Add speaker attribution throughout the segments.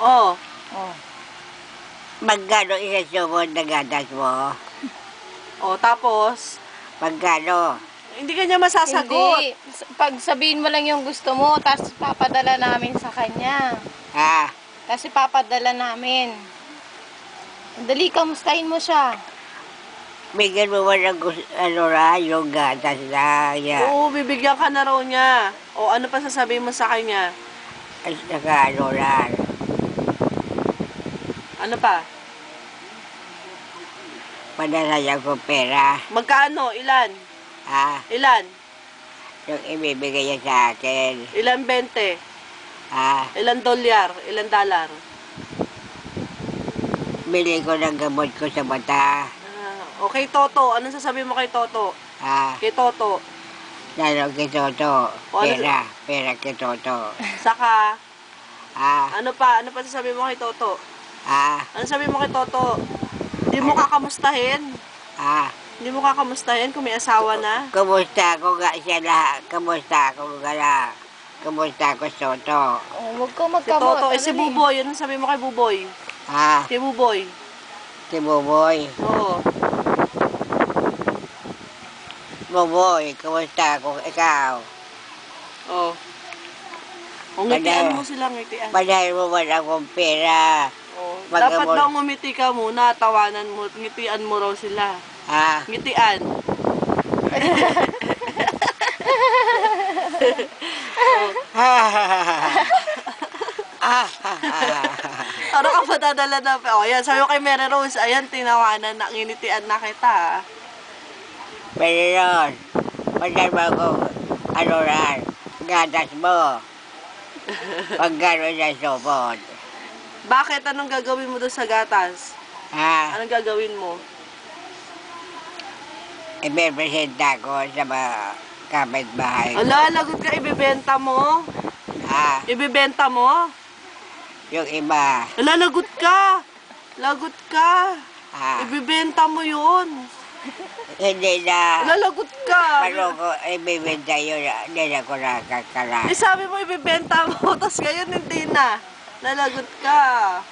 Speaker 1: Oh.
Speaker 2: Oh.
Speaker 3: Magkano isasubod na gatas mo?
Speaker 1: Oh, tapos?
Speaker 3: Magkano?
Speaker 1: Hindi ka niya masasagot.
Speaker 2: Hindi. Pag sabihin mo lang yung gusto mo, tapos papadala namin sa kanya.
Speaker 3: Ha?
Speaker 2: Kasi papadala namin. Dali, kamustahin mo siya.
Speaker 3: Bigyan mo ba ng yung gatas na yan?
Speaker 1: Oo, bibigyan ka na raw niya. O ano pa sasabihin mo sa kanya?
Speaker 3: At saka
Speaker 1: Ano pa?
Speaker 3: padala ko pera.
Speaker 1: Magkano? Ilan?
Speaker 3: Ha?
Speaker 1: Ilan?
Speaker 3: Yung ibibigay niya sa akin.
Speaker 1: Ilan 20?
Speaker 3: Ha?
Speaker 1: Ilan dolyar? Ilan dollar?
Speaker 3: Bili ko ng gamot ko sa mata.
Speaker 1: Okay, Toto. Anong sasabihin mo kay Toto?
Speaker 3: Ha?
Speaker 1: Kay Toto.
Speaker 3: Lalo kay Toto.
Speaker 1: O, ano-
Speaker 3: Pera. Pera kay Toto.
Speaker 1: Saka,
Speaker 3: Ha?
Speaker 1: ano pa? Ano pa sasabihin mo kay Toto?
Speaker 3: Ha?
Speaker 1: Ano sabihin mo kay Toto? Hindi mo kakamustahin?
Speaker 3: Ha?
Speaker 1: Hindi mo kakamustahin kung may asawa na?
Speaker 3: Kumusta ko nga siya lahat? Kumusta ko nga lang? Kumusta ko Toto?
Speaker 2: Oh, huwag ka
Speaker 1: Si
Speaker 2: magkamot.
Speaker 1: Toto. Si Buboy. Anong sabihin mo kay Buboy?
Speaker 3: Ha?
Speaker 1: Kay Buboy.
Speaker 3: Si Buboy.
Speaker 1: Oo.
Speaker 3: Buboy, kumusta ko ikaw?
Speaker 1: Oo. O ngitian mo silang ngitian.
Speaker 3: Padahal mo man akong pera.
Speaker 1: Oo.
Speaker 3: Mag-
Speaker 1: Dapat daw ngumiti ka muna, tawanan mo, ngitian mo raw sila.
Speaker 3: Ha?
Speaker 1: Ngitian. Ano ka pa dadala na? O yan, sabi ko kay Mary Rose, ayan, tinawanan na, nginitian na kita.
Speaker 3: Pero yun, padahal mo akong gatas mo. Pag gano'n na supot.
Speaker 1: Bakit? Anong gagawin mo doon sa gatas?
Speaker 3: Ha?
Speaker 1: Anong gagawin mo?
Speaker 3: Ipipresenta ko sa mga kapitbahay ko.
Speaker 1: Ala, lagot ka, ibibenta mo?
Speaker 3: Ha?
Speaker 1: Ibibenta mo?
Speaker 3: Yung iba.
Speaker 1: Ala, lagot ka! Lagot ka!
Speaker 3: Ha?
Speaker 1: Ibibenta mo yun!
Speaker 3: Hindi na.
Speaker 1: Ala, lagot ka!
Speaker 3: Paano ko ibibenta yun? Hindi na ko nakakala.
Speaker 1: Eh, sabi mo ibibenta mo, tapos ngayon hindi na. Nalagot ka.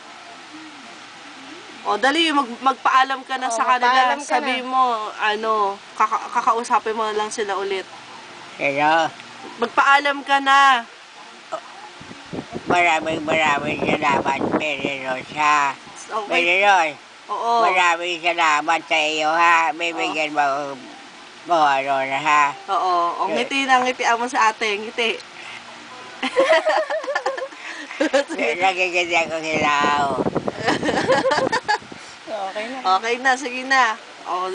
Speaker 1: O, dali, magpaalam ka na
Speaker 2: O,
Speaker 1: sa kanila.
Speaker 2: magpaalam ka
Speaker 1: Sabi
Speaker 2: na.
Speaker 1: mo, kakausapin mo na lang sila ulit.
Speaker 3: Pero,
Speaker 1: Magpaalam ka na.
Speaker 3: maraming salamat, Mary Rose, ha?
Speaker 1: Okay.
Speaker 3: Mary Rose,
Speaker 1: Oo.
Speaker 3: maraming salamat sa iyo, ha? Bibigyan mo ha?
Speaker 1: Oo. O, ngiti na, ngitian mo sa ate. Ngiti.
Speaker 3: Nagigit ako hilaw.
Speaker 2: Okay na.
Speaker 1: Okay na, sige na. O,